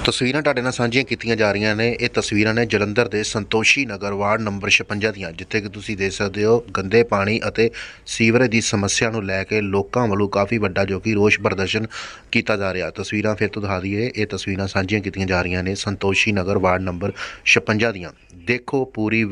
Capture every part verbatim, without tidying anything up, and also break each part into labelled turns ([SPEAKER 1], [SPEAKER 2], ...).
[SPEAKER 1] ਤਸਵੀਰਾਂ ਤੁਹਾਡੇ ਨਾਲ ਸਾਂਝੀਆਂ ਕੀਤੀਆਂ ਜਾ ਰਹੀਆਂ ਨੇ। ਇਹ ਤਸਵੀਰਾਂ ਨੇ ਜਲੰਧਰ ਦੇ ਸੰਤੋਸ਼ੀ ਨਗਰ ਵਾਰਡ ਨੰਬਰ ਛਪੰਜਾ ਦੀਆਂ, ਜਿੱਥੇ ਕਿ ਤੁਸੀਂ ਦੇਖ ਸਕਦੇ ਹੋ ਗੰਦੇ ਪਾਣੀ ਅਤੇ ਸੀਵਰੇਜ ਦੀ ਸਮੱਸਿਆ ਨੂੰ ਲੈ ਕੇ ਲੋਕਾਂ ਵੱਲੋਂ ਕਾਫੀ ਵੱਡਾ ਜੋ ਕਿ ਰੋਸ ਪ੍ਰਦਰਸ਼ਨ ਕੀਤਾ ਜਾ ਰਿਹਾ। ਤਸਵੀਰਾਂ ਫਿਰ ਤੋਂ ਦਿਖਾ ਦਈਏ। ਇਹ ਤਸਵੀਰਾਂ ਸਾਂਝੀਆਂ ਕੀਤੀਆਂ ਜਾ ਰਹੀਆਂ ਨੇ ਸੰਤੋਸ਼ੀ ਨਗਰ ਵਾਰਡ ਨੰਬਰ ਛਪੰਜਾ ਦੀਆਂ। ਦੇਖੋ ਪੂਰੀ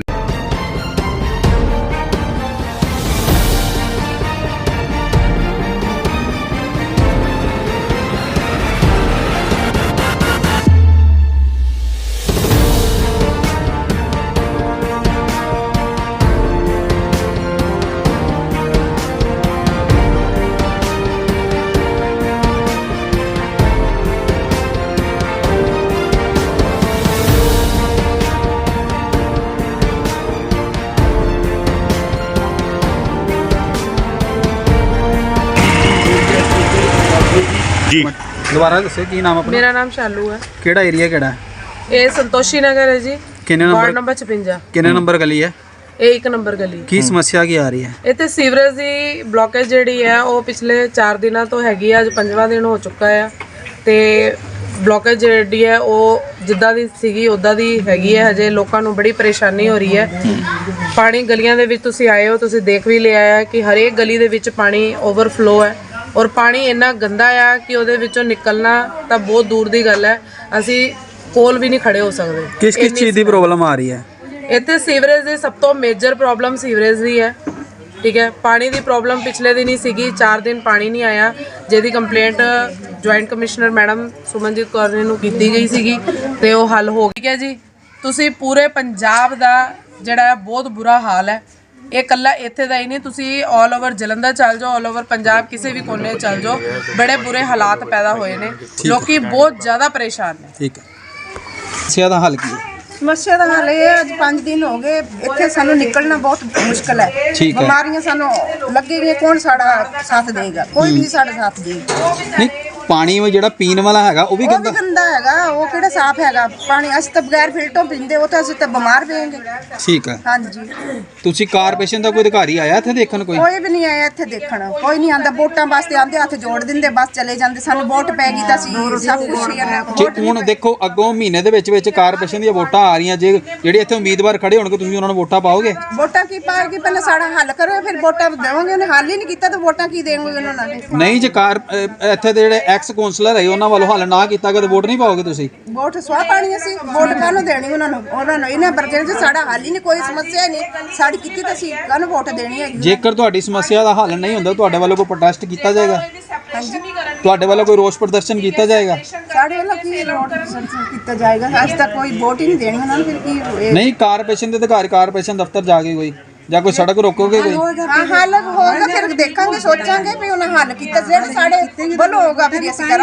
[SPEAKER 2] जी दोबारा दसो की नाम अपना?
[SPEAKER 3] मेरा नाम शालू है।
[SPEAKER 2] केड़ा एरिया केड़ा है?
[SPEAKER 3] ये संतोषी नगर है जी।
[SPEAKER 2] किन्ने नंबर?
[SPEAKER 3] Ward number छपंजा।
[SPEAKER 2] किन्ने नंबर गली है?
[SPEAKER 3] ये एक नंबर गली।
[SPEAKER 2] की समस्या की आ रही है?
[SPEAKER 3] इत्थे सीवरेज दी ब्लॉकेज जिहड़ी है वो पिछले चार दिनों तो हैगी है, अज पंजवां दिन हो चुका है। ते ब्लॉकेज जिहड़ी है वो जिद्दां दी सीगी उद्दां दी हैगी है। हजे लोकां नूं बड़ी परेशानी हो रही है। पानी गलियां दे विच तुसीं आए हो, तुसीं देख भी लिया है कि हरेक गली दे विच पानी ओवरफ्लो है और पानी इन्ना गंदा आ कि ਉਹਦੇ ਵਿੱਚੋਂ ਨਿਕਲਣਾ ਤਾਂ ਬਹੁਤ ਦੂਰ ਦੀ ਗੱਲ ਹੈ। ਅਸੀਂ ਕੋਲ ਵੀ ਨਹੀਂ ਖੜੇ ਹੋ ਸਕਦੇ।
[SPEAKER 2] ਕਿਸ ਕਿਸ ਚੀਜ਼ ਦੀ ਪ੍ਰੋਬਲਮ ਆ ਰਹੀ ਹੈ
[SPEAKER 3] ਇੱਥੇ? ਸੀਵਰੇਜ ਦੀ ਸਭ ਤੋਂ ਮੇਜਰ ਪ੍ਰੋਬਲਮ ਸੀਵਰੇਜ ਦੀ ਹੈ। ਠੀਕ ਹੈ, ਪਾਣੀ ਦੀ ਪ੍ਰੋਬਲਮ ਪਿਛਲੇ ਦਿਨ ਹੀ ਸੀਗੀ, ਚਾਰ ਦਿਨ ਪਾਣੀ ਨਹੀਂ ਆਇਆ, ਜਿਹਦੀ complaint joint commissioner madam Sumanjeet Kaur ਨੇ ਨੂੰ ਕੀਤੀ ਗਈ ਸੀਗੀ ਤੇ ਉਹ ਹੱਲ ਹੋ ਗਿਆ ਜੀ। ਤੁਸੀਂ ਪੂਰੇ ਪੰਜਾਬ ਦਾ ਜਿਹੜਾ ਹੈ ਬਹੁਤ ਬੁਰਾ ਹਾਲ ਹੈ। ਇਹ ਕੱਲਾ ਇੱਥੇ ਦਾ ਹੀ ਨਹੀਂ, ਤੁਸੀਂ ਆਲ ਓਵਰ ਜਲੰਧਰ ਚੱਲ ਜਾਓ, ਆਲ ਓਵਰ ਪੰਜਾਬ ਕਿਸੇ ਵੀ ਕੋਨੇ ਚੱਲ ਜਾਓ, ਬੜੇ ਬੁਰੇ ਹਾਲਾਤ ਪੈਦਾ ਹੋਏ ਨੇ। ਲੋਕੀ ਬਹੁਤ ਜ਼ਿਆਦਾ ਪਰੇਸ਼ਾਨ ਨੇ।
[SPEAKER 2] ਠੀਕ ਹੈ, ਸਮੱਸਿਆ ਦਾ ਹੱਲ ਕੀ ਹੈ?
[SPEAKER 4] ਸਮੱਸਿਆ ਦਾ ਹੱਲ ਇਹ ਅੱਜ ਪੰਜ ਦਿਨ ਹੋ ਗਏ ਇੱਥੇ ਸਾਨੂੰ ਨਿਕਲਣਾ ਬਹੁਤ ਮੁਸ਼ਕਲ ਹੈ। ਬਿਮਾਰੀਆਂ ਸਾਨੂੰ ਲੱਗੇਗੀਆਂ, ਕੌਣ ਸਾਡਾ ਸਾਥ ਦੇਗਾ? ਕੋਈ ਵੀ ਸਾਡਾ ਸਾਥ ਦੇਗਾ
[SPEAKER 2] ਨਹੀਂ। ਪਾਣੀ ਉਹ ਜਿਹੜਾ ਪੀਣ ਵਾਲਾ ਹੈਗਾ ਉਹ ਵੀ
[SPEAKER 4] ਗੰਦਾ ਗੰਦਾ ਹੈਗਾ, ਉਹ ਕਿਹੜਾ ਸਾਫ਼ ਹੈਗਾ ਪਾਣੀ? ਅਸੀਂ ਤਾਂ ਬਗੈਰ ਫਿਲਟਰ ਪੀਂਦੇ, ਉਹ ਤਾਂ ਅਸੀਂ ਤਾਂ ਬਿਮਾਰ ਪਏਂਗੇ।
[SPEAKER 2] ਠੀਕ ਹੈ,
[SPEAKER 4] ਹਾਂਜੀ।
[SPEAKER 2] ਤੁਸੀਂ ਕਾਰਪੋਰੇਸ਼ਨ ਦਾ ਕੋਈ ਅਧਿਕਾਰੀ ਆਇਆ ਇੱਥੇ ਦੇਖਣ? ਕੋਈ
[SPEAKER 4] ਕੋਈ ਵੀ ਨਹੀਂ ਆਇਆ ਇੱਥੇ ਦੇਖਣ, ਕੋਈ ਨਹੀਂ ਆਂਦਾ। ਵੋਟਾਂ ਵਾਸਤੇ ਆਂਦੇ, ਹੱਥ ਜੋੜ ਦਿੰਦੇ, ਬਸ ਚਲੇ ਜਾਂਦੇ। ਸਾਨੂੰ ਵੋਟ ਪੈ ਗਈ ਤਾਂ ਅਸੀਂ ਸਭ ਕੁਝ ਹੀ ਕਰਨਾ।
[SPEAKER 2] ਜੇ ਹੁਣ ਦੇਖੋ ਅੱਗੋਂ ਮਹੀਨੇ ਦੇ ਵਿੱਚ ਵਿੱਚ ਕਾਰਪੋਰੇਸ਼ਨ ਦੀਆਂ ਵੋਟਾਂ ਆ ਰਹੀਆਂ, ਜੇ ਜਿਹੜੇ ਇੱਥੇ ਉਮੀਦਵਾਰ ਖੜੇ ਹੋਣਗੇ ਤੁਸੀਂ ਉਹਨਾਂ ਨੂੰ ਵੋਟਾਂ ਪਾਓਗੇ?
[SPEAKER 4] ਵੋਟਾਂ ਕੀ ਪਾਏਗੀ? ਪਹਿਲਾਂ ਸਾਡਾ ਹੱਲ ਕਰੋ, ਫਿਰ ਵੋਟਾਂ ਦੇਵਾਂਗੇ। ਉਹਨੇ ਹੱਲ ਹੀ ਨਹੀਂ ਕੀਤਾ ਤਾਂ ਵੋਟਾਂ ਕੀ ਦੇਵਾਂਗੇ ਉਹਨਾਂ ਨੂੰ?
[SPEAKER 2] ਨਹੀਂ, ਜੇ ਕਾਰ ਇੱਥੇ ਦੇ ਜਿਹੜੇ ਐਕਸ ਕਾਉਂਸਲਰ ਹੈ ਉਹਨਾਂ ਵੱਲੋਂ ਹੱਲ ਨਾ ਕੀਤਾ ਗਿਆ ਤਾਂ ਵੋਟ ਨਹੀਂ ਪਾਓਗੇ ਤੁਸੀਂ?
[SPEAKER 4] ਵੋਟ ਸਵਾਹ ਪਾਣੀ, ਅਸੀਂ ਵੋਟ ਕਾਹਨੂੰ ਦੇਣੀ ਉਹਨਾਂ ਨੂੰ? ਉਹਨਾਂ ਨੂੰ ਇਹਨਾਂ ਬਰਗਰ ਚ ਸਾਡਾ ਹੱਲ ਹੀ ਨਹੀਂ, ਕੋਈ ਸਮੱਸਿਆ ਨਹੀਂ ਸਾਡੀ ਕੀਤੀ ਤਾਂ ਅਸੀਂ ਕਾਹਨੂੰ ਵੋਟ ਦੇਣੀ ਹੈ?
[SPEAKER 2] ਜੇਕਰ ਤੁਹਾਡੀ ਸਮੱਸਿਆ ਦਾ ਹੱਲ ਨਹੀਂ ਹੁੰਦਾ ਤੁਹਾਡੇ ਵੱਲੋਂ ਕੋਈ ਪ੍ਰੋਟੈਸਟ ਕੀਤਾ ਜਾਏਗਾ?
[SPEAKER 4] ਹਾਂਜੀ,
[SPEAKER 2] ਤੁਹਾਡੇ ਵੱਲੋਂ ਕੋਈ ਰੋਸ ਪ੍ਰਦਰਸ਼ਨ ਕੀਤਾ ਜਾਏਗਾ?
[SPEAKER 4] ਸਾਡੇ ਵੱਲੋਂ ਕੀ ਵੋਟ ਕੀਤਾ ਜਾਏਗਾ? ਅੱਜ ਤੱਕ ਕੋਈ ਵੋਟ ਹੀ ਨਹੀਂ ਦੇਣੀ ਉਹਨਾਂ ਨੂੰ, ਫਿਰ ਕੀ ਹੋਏਗਾ?
[SPEAKER 2] ਨਹੀਂ, ਕਾਰਪੋਰੇਸ਼ਨ ਦੇ ਅਧਿਕਾਰੀ ਕਾਰਪੋਰੇਸ਼ਨ ਦਫ਼ਤਰ ਜਾ ਕੇ ਕੋਈ ਜਾਂ ਕੋਈ ਸੜਕ ਰੋਕੋਗੇ ਕੋਈ?
[SPEAKER 4] ਹਾਂ, ਹੱਲ ਹੋਗਾ ਫਿਰ ਦੇਖਾਂਗੇ, ਸੋਚਾਂਗੇ ਵੀ ਉਹਨਾਂ ਹੱਲ ਕੀਤਾ। ਜਿਹੜੇ ਸਾਡੇ ਵੱਲੋਂ ਹੋਗਾ ਫਿਰ ਅਸੀਂ ਕਰਾਂਗੇ।